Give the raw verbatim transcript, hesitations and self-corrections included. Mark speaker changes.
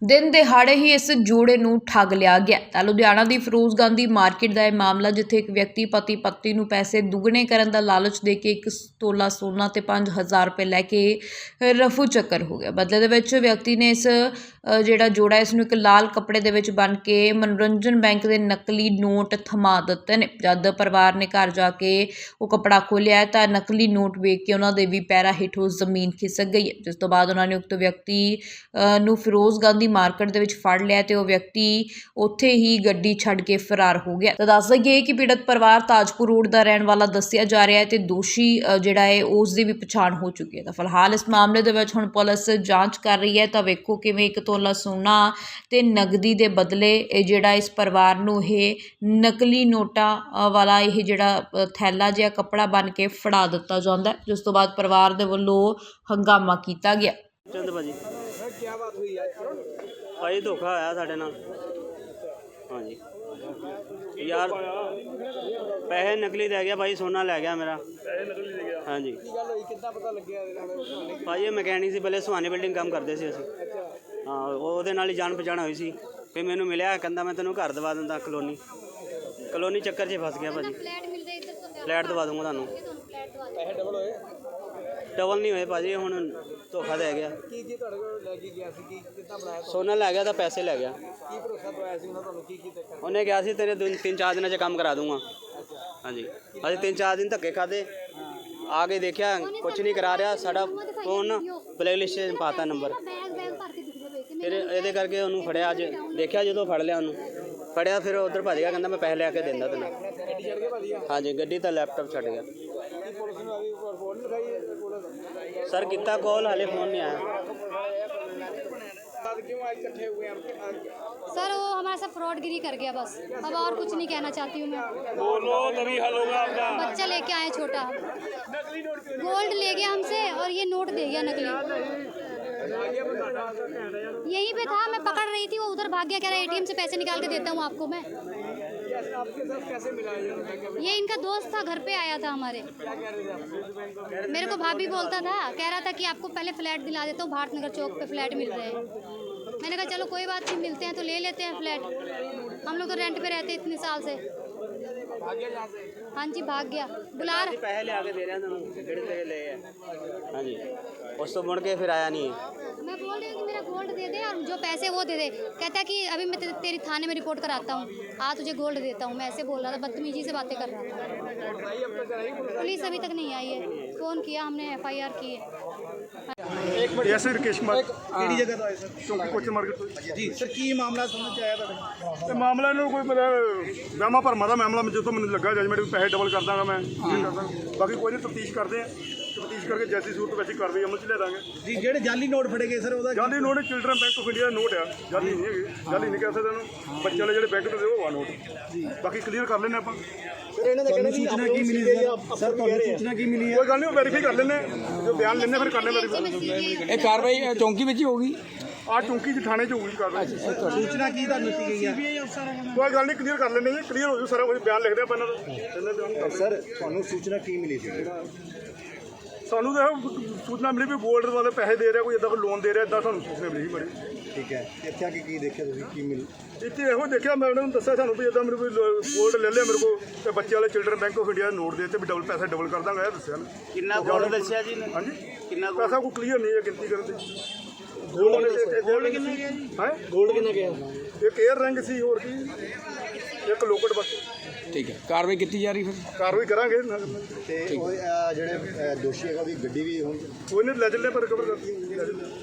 Speaker 1: दिन दिहाड़े ही इस जोड़े नूं ठग लिया गया। तां लुधियाना दी फिरोज गांधी मार्केट का यह मामला, जिथे एक व्यक्ति पति पत्नी नूं पैसे दुगने करन दा लालच दे के एक तोला सोना ते पांच हज़ार रुपए लैके रफू चक्कर हो गया। बदले दे विच व्यक्ति ने इस जिहड़ा जोड़ा इस नूं एक लाल कपड़े दे विच बन के मनोरंजन बैंक के नकली नोट थमा दित्ते ने। जद परिवार ने घर जाके वो कपड़ा खोलिया तां नकली नोट वेख के उन्हां दे भी पैरां हेठों जमीन खिसक गई है, जिस तो बाद उन्होंने उक्त व्यक्ति नूं फिरोज गांधी मार्केट दे विच फड़ लिया ते वो व्यक्ति उत्थे ही गड्डी छड्ड के फरार हो गया। तो दस दईए कि पीड़ित परिवार ताजपुर रोड का रहने वाला दस्सिया जा रहा है ते दोषी जिहड़ा है उसकी भी पछाण हो चुकी है। तो फिलहाल इस मामले दे विच हुण पुलिस जांच कर रही है। तो वेखो किवें एक तोला सोना ते नगदी दे बदले जिहड़ा इस परिवार नूं इह नकली नोटां वाला इह जिहड़ा थैला जिहा कपड़ा बन के फड़ा दित्ता जांदा है, जिस तो बाद परिवार दे वल्लों हंगामा कीता गया।
Speaker 2: चंद भाजी भाई धोखा आया साढ़े नाल। हाँ जी यार पैसे नकली दे गया भाई, सोना लै गया मेरा। हाँ जी भाई ये मैकेनिक से पहले सुहानी बिल्डिंग काम करते सी असीं। हाँ ਉਹਦੇ ਨਾਲ ਹੀ ਜਾਣ ਪਛਾਣ ਹੋਈ ਸੀ। ਫਿਰ ਮੈਨੂੰ ਮਿਲਿਆ, ਕਹਿੰਦਾ मैं तेनों घर दवा ਦਿੰਦਾ ਕਲੋਨੀ ਕਲੋਨੀ ਚੱਕਰ 'ਚ ਫਸ ਗਿਆ ਭਾਜੀ। ਫਲੈਟ ਦਵਾ ਦੂੰਗਾ ਤੁਹਾਨੂੰ। ਪੈਸੇ ਡਬਲ ਹੋਏ? ਡਬਲ नहीं होए भाजी, ਹੁਣ ਧੋਖਾ दे गया। ਕੀ ਕੀ ਤੁਹਾਡੇ ਕੋਲ ਲੈ ਕੇ ਗਿਆ ਸੀ? ਕੀ ਕਿੱਦਾਂ ਬਣਾਇਆ? ਸੋਨਾ ਲੈ ਗਿਆ ਤਾਂ ਪੈਸੇ ਲੈ ਗਿਆ। ਕੀ ਭਰੋਸਾ ਦਵਾਇਆ ਸੀ ਉਹਨਾਂ ਤੁਹਾਨੂੰ? ਕੀ ਕੀ ਦੇਖਿਆ? ਉਹਨੇ ਕਿਹਾ ਸੀ ਤੇਰੇ ਦਿਨ ਤਿੰਨ ਚਾਰ ਦਿਨਾਂ 'ਚ ਕੰਮ ਕਰਾ ਦੂੰਗਾ। हाँ जी ਅਸੀਂ ਤਿੰਨ ਚਾਰ ਦਿਨ ਧੱਕੇ ਖਾਦੇ, ਆ ਕੇ ਦੇਖਿਆ ਕੁਛ ਨਹੀਂ ਕਰਾ ਰਿਹਾ। ਸਾਡਾ ਫੋਨ ਬਲੈਕ ਲਿਸਟ 'ਚ ਪਾਤਾ ਨੰਬਰ, ਫਿਰ ਇਹਦੇ ਕਰਕੇ ਉਹਨੂੰ ਫੜਿਆ। ਅੱਜ ਦੇਖਿਆ, ਜਦੋਂ ਫੜ ਲਿਆ ਉਹਨੂੰ ਫੜਿਆ ਫਿਰ ਉਧਰ ਭੱਜ ਗਿਆ, ਕਹਿੰਦਾ ਮੈਂ ਪੈਸੇ ਲੈ ਕੇ ਦਿੰਦਾ ਤੈਨੂੰ। हाँ जी ਗੱਡੀ ਤਾਂ ਲੈਪਟਾਪ ਛੱਡ ਗਿਆ। सर कितना कॉल हाले फोन नहीं आया।
Speaker 3: सर वो हमारे साथ फ्रॉडगिरी कर गया बस, अब और कुछ नहीं कहना चाहती हूँ मैं।
Speaker 2: बोलो तभी हल होगा आपका।
Speaker 3: बच्चा लेके आए छोटा, गोल्ड ले गया हमसे और ये नोट दे गया नकली। यहीं पे था, मैं पकड़ रही थी, वो उधर भाग गया, कह रहा एटीएम से पैसे निकाल के देता हूँ आपको मैं।
Speaker 4: आपके साथ कैसे मिला
Speaker 3: ये इनका दोस्त था, घर पे आया था हमारे। मेरे को भाभी बोलता था, कह रहा था कि आपको पहले फ्लैट दिला देता हूँ, भारत नगर चौक पे फ्लैट मिल रहे हैं। मैंने कहा चलो कोई बात नहीं, मिलते हैं तो ले लेते हैं फ्लैट। हम लोग तो रेंट पे रहते इतने साल से। हाँ जी भाग गया। बुला
Speaker 2: पैसे ले आके दे रहे हैं, जेड़े तेरे ले है। हाँ जी उस तो मुड़ के फिर आया नहीं।
Speaker 3: मैं बोल रही हूँ कि मेरा गोल्ड दे दे और जो पैसे वो दे दे। कहता है कि अभी मैं ते, तेरी थाने में रिपोर्ट कराता हूँ, आ तुझे गोल्ड देता हूँ। मैं ऐसे बोल रहा था, बदतमीजी से बातें कर रहा था। पुलिस अभी तक नहीं आई है, फ़ोन किया हमने, एफ आई आर की है।
Speaker 5: ऐसे राकेश कुमार
Speaker 4: ਕਿਹੜੀ ਜਗ੍ਹਾ ਤੋਂ ਆਏ ਸਰ?
Speaker 5: ਚੌਂਕੀ ਕੋਚਨ ਮਾਰਕੀਟ ਤੋਂ
Speaker 4: ਜੀ ਸਰ, ਕੀ ਮਾਮਲਾ ਸਮਝ ਚ ਆਇਆ ਤੁਹਾਡੇ?
Speaker 5: ਤੇ ਮਾਮਲਾ ਇਹਨੂੰ ਕੋਈ ਮਤਲਬ ਵਹਿਮਾਂ ਭਰਮਾਂ ਦਾ ਮਾਮਲਾ, ਜਦੋਂ ਮੈਨੂੰ ਲੱਗਾ ਜਜਮੈਂਟ ਵੀ ਪੈਸੇ ਡਬਲ ਕਰ ਦਾਂਗਾ ਮੈਂ ਇਹ ਕਰਦਾ। ਬਾਕੀ ਕੋਈ ਨਹੀਂ, ਤਫਤੀਸ਼ ਕਰਦੇ ਆ, ਤਫਤੀਸ਼ ਕਰਕੇ ਜੈਸੀ ਸੂਰਤ ਵਿੱਚ ਕਾਰਵਾਈ ਅਮਲ 'ਚ ਲੈ ਦਾਂਗੇ।
Speaker 4: ਜੀ ਜਿਹੜੇ ਜਾਲੀ ਨੋਟ ਫੜੇ ਗਏ ਸਰ, ਉਹਦਾ
Speaker 5: ਜਾਲੀ note children bank of India ਦਾ ਨੋਟ ਆ, ਜਾਲੀ ਨਹੀਂ ਹੈਗੇ, ਜਾਲੀ ਨਹੀਂ ਕਹਿ ਸਕਦੇ ਇਹਨੂੰ। ਬੱਚੇ ਵਾਲੇ ਜਿਹੜੇ ਬੈਂਕ ਤੋਂ ਉਹ ਆ ਨੋਟ। ਬਾਕੀ ਕਲੀਅਰ ਕਰ ਲੈਂਦੇ ਆਪਾਂ।
Speaker 4: ਸਰ ਇਹਨਾਂ ਦਾ ਕਹਿਣਾ ਸੂਚਨਾ ਕੀ ਮਿਲੀ ਸਰ? ਤੁਹਾਨੂੰ ਸੂਚਨਾ ਕੀ ਮਿਲੀ ਹੈ?
Speaker 5: ਕੋਈ ਗੱਲ ਨਹੀਂ, ਉਹ ਵੈਰੀਫਾਈ ਕਰ ਲੈਂਦੇ, ਜੋ ਬਿਆਨ ਲੈਂਦੇ ਫਿਰ ਕਰ ਲੈਂਦੇ ਵੈਰੀਫਾਈ।
Speaker 6: ਇਹ ਕਾਰਵਾਈ ਚੌਂਕੀ ਵਿੱਚ ਹੀ ਹੋਊਗੀ,
Speaker 5: ਆ ਚੌਂਕੀ 'ਚ ਥਾਣੇ 'ਚ ਹੋਊਗੀ ਕਾਰਵਾਈ।
Speaker 4: ਸੂਚਨਾ ਕੀ ਤੁਹਾਨੂੰ ਦਿੱਤੀ ਗਈ ਹੈ?
Speaker 5: ਕੋਈ ਗੱਲ ਨਹੀਂ, ਕਲੀਅਰ ਕਰ ਲੈਂਦੇ ਜੀ, ਕਲੀਅਰ ਹੋ ਜੂ ਸਾਰਾ ਕੁਝ। ਬਿਆਨ ਲਿਖਦੇ ਆਪਾਂ ਇਹਨਾਂ ਦਾ।
Speaker 4: ਸਰ ਤੁਹਾਨੂੰ ਸੂਚਨਾ ਕੀ ਮਿਲੀ ਸੀ?
Speaker 5: ਸਾਨੂੰ ਤਾਂ ਸੂਚਨਾ ਮਿਲੀ ਵੀ ਗੋਲਡ ਵਾਲੇ ਪੈਸੇ ਦੇ ਰਿਹਾ, ਕੋਈ ਇੱਦਾਂ ਕੋਈ ਲੋਨ ਦੇ ਰਿਹਾ, ਇੱਦਾਂ ਸਾਨੂੰ ਸੂਚਨਾ ਮਿਲੀ ਸੀ ਬੜੀ।
Speaker 4: ਠੀਕ ਹੈ, ਇੱਥੇ ਆ ਕੇ ਕੀ ਦੇਖਿਆ ਤੁਸੀਂ? ਕੀ ਮਿਲ
Speaker 5: ਇੱਥੇ ਇਹੋ ਦੇਖਿਆ, ਮੈਂ ਉਹਨਾਂ ਨੂੰ ਦੱਸਿਆ ਸਾਨੂੰ ਵੀ ਇੱਦਾਂ ਮੇਰੇ ਕੋਈ ਗੋਲਡ ਲੈ ਲਿਆ ਮੇਰੇ ਕੋਲ, ਤੇ ਬੱਚੇ ਵਾਲੇ children bank of India note ਦੇ ਤੇ ਵੀ ਡਬਲ ਪੈਸੇ ਡਬਲ ਕਰ ਦਾਂਗਾ, ਇਹ ਦੱਸਿਆ ਨਾ।
Speaker 2: ਕਿੰਨਾ ਗੋਲਡ ਦੱਸਿਆ ਜੀ?
Speaker 5: ਹਾਂਜੀ
Speaker 2: ਕਿੰਨਾ
Speaker 5: ਪੈਸਾ ਕੋਈ ਕਲੀਅਰ ਨਹੀਂ ਹੈ ਗਿਣਤੀ ਕਰਨ ਦੀ।
Speaker 4: ਗੋਲਡ ਕਿੰਨਾ ਗਿਆ ਜੀ?
Speaker 5: ਹੈ
Speaker 4: ਗੋਲਡ ਕਿੰਨਾ ਗਿਆ?
Speaker 5: ਇੱਕ ਏਅਰ ਰਿੰਗ ਸੀ, ਹੋਰ ਕੀ ਇੱਕ ਲੋਕਟ ਬਸ।
Speaker 6: ਠੀਕ ਹੈ, ਕਾਰਵਾਈ ਕੀਤੀ ਜਾ ਰਹੀ ਫਿਰ?
Speaker 5: ਕਾਰਵਾਈ ਕਰਾਂਗੇ
Speaker 4: ਤੇ ਉਹ ਅਹ, ਜਿਹੜੇ ਅਹ, ਦੋਸ਼ੀ ਹੈਗਾ ਉਹਦੀ ਗੱਡੀ ਵੀ ਹੁਣ
Speaker 5: ਕੋਈ ਨਹੀਂ ਲੈ ਚੱਲੇ ਪਰ ਰਿਕਵਰ ਕਰਦੀ।